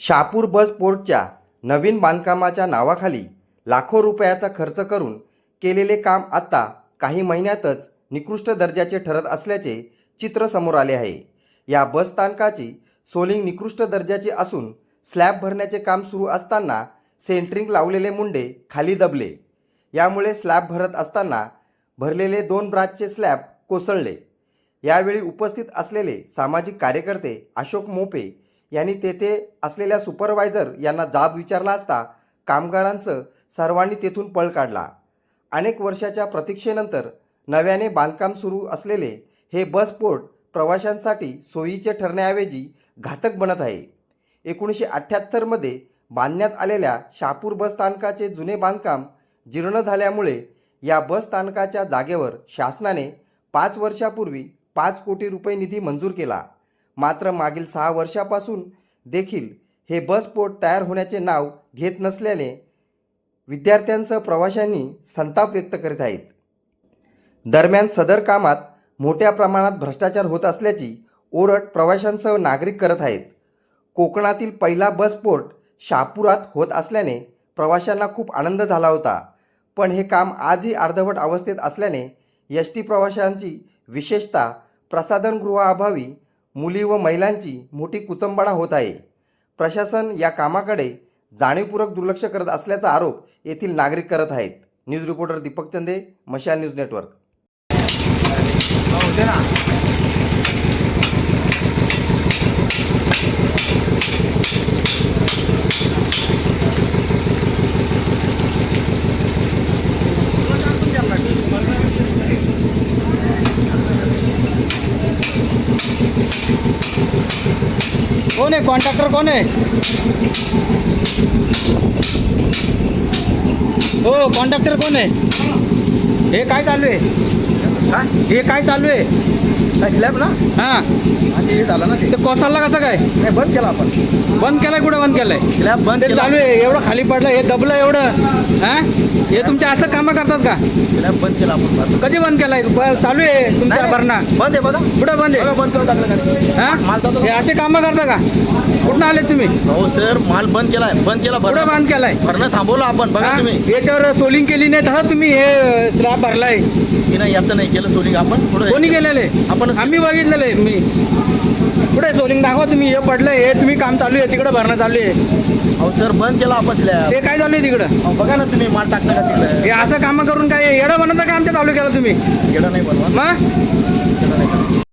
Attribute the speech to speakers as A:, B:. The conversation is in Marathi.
A: शहापूर बस पोर्टच्या नवीन बांधकामाच्या नावाखाली लाखो रुपयाचा खर्च करून केलेले काम आता काही महिन्यातच निकृष्ट दर्जाचे ठरत असल्याचे चित्र समोर आले आहे। या बस स्थानकाची सोलिंग निकृष्ट दर्जाची असून स्लॅब भरण्याचे काम सुरू असताना सेंट्रिंग लावलेले मुंडे खाली दबले। यामुळे स्लॅब भरत असताना भरलेले 2 ब्राचचे स्लॅब कोसळले। यावेळी उपस्थित असलेले सामाजिक कार्यकर्ते अशोक मोपे यांनी तेथे असलेल्या सुपरवायझर यांना जाब विचारला असता कामगारांसह सर्वांनी तेथून पळ काढला। अनेक वर्षाच्या प्रतीक्षेनंतर नव्याने बांधकाम सुरू असलेले हे बस पोर्ट प्रवाशांसाठी सोयीचे ठरण्याऐवजी घातक बनत आहे। 1978 मध्ये बांधण्यात आलेल्या शहापूर बस स्थानकाचे जुने बांधकाम जीर्ण झाल्यामुळे या बस स्थानकाच्या जागेवर शासनाने 5 वर्षापूर्वी 5 कोटी रुपये निधी मंजूर केला। मात्र मागील 6 वर्षापासून देखील हे बस पोर्ट तयार होण्याचे नाव घेत नसल्याने विद्यार्थ्यांसह प्रवाशांनी संताप व्यक्त करीत आहेत। दरम्यान सदर कामात मोठ्या प्रमाणात भ्रष्टाचार होत असल्याची ओरड प्रवाशांसह नागरिक करत आहेत। कोकणातील पहिला बस पोर्ट शहापुरात होत असल्याने प्रवाशांना खूप आनंद झाला होता, पण हे काम आजही अर्धवट अवस्थेत असल्याने एसटी प्रवाशांची विशेषतः प्रसाधनगृहाअभावी मुली व महिलांची मोठी कुचंबणा होत आहे। प्रशासन या कामाकडे जाणीवपूर्वक दुर्लक्ष करत असल्याचा आरोप येथील नागरिक करत आहेत। न्यूज रिपोर्टर दीपक चंदे, मशाल न्यूज नेटवर्क।
B: कौन है कॉन्ट्रैक्टर, कौन है? हो कॉन्ट्रॅक्टर कोण आहे? हे काय चालू आहे? हे काय चालू आहे?
C: स्लॅब ना?
B: हां
C: हे झालं ना,
B: ते कोसळला कसं काय?
C: नाही बंद केला आपण।
B: बंद केलाय? कुठं बंद केलाय?
C: स्लॅब बंद
B: ते चालू आहे, एवढं खाली पडलं, हे दबलं एवढं। हां हे तुमच्या असं कामं करतात का?
C: स्लॅब बंद केला आपण।
B: कधी बंद केलाय? चालू आहे तुमच्या भरणा?
C: बंद आहे बघा।
B: कुठं बंद आहे?
C: बंद करून टाकलं।
B: हां हे असे कामं करता का? कुठून आले तुम्ही?
C: हो सर, माल बंद केलाय, बंद केला।
B: कुठं बंद केलाय?
C: भरणं थांबवलं आपण, बघा तुम्ही।
B: याच्यावर सोलिंग केली नाही तर तुम्ही हे स्लॅब भरलाय
C: की नाही? याचं नाही केलं सोलिंग आपण।
B: कोणी केलेले?
C: आपण
B: आम्ही बघितलेलं आहे। मी कुठे सोलिंग दाखवा तुम्ही। हे पडलंय, हे तुम्ही काम चालू आहे, तिकडं भरणं चालू आहे।
C: हो सर, बंद केला आपण स्लॅब।
B: ते काय चालू आहे तिकडं?
C: अहो बघा ना तुम्ही, माल टाकता का तिकडे?
B: हे असं कामं करून काय येडं बनवता का आमच्या चालू केलं तुम्ही?
C: येडं नाही बनवा,
B: मग
C: येडं नाही बनवा।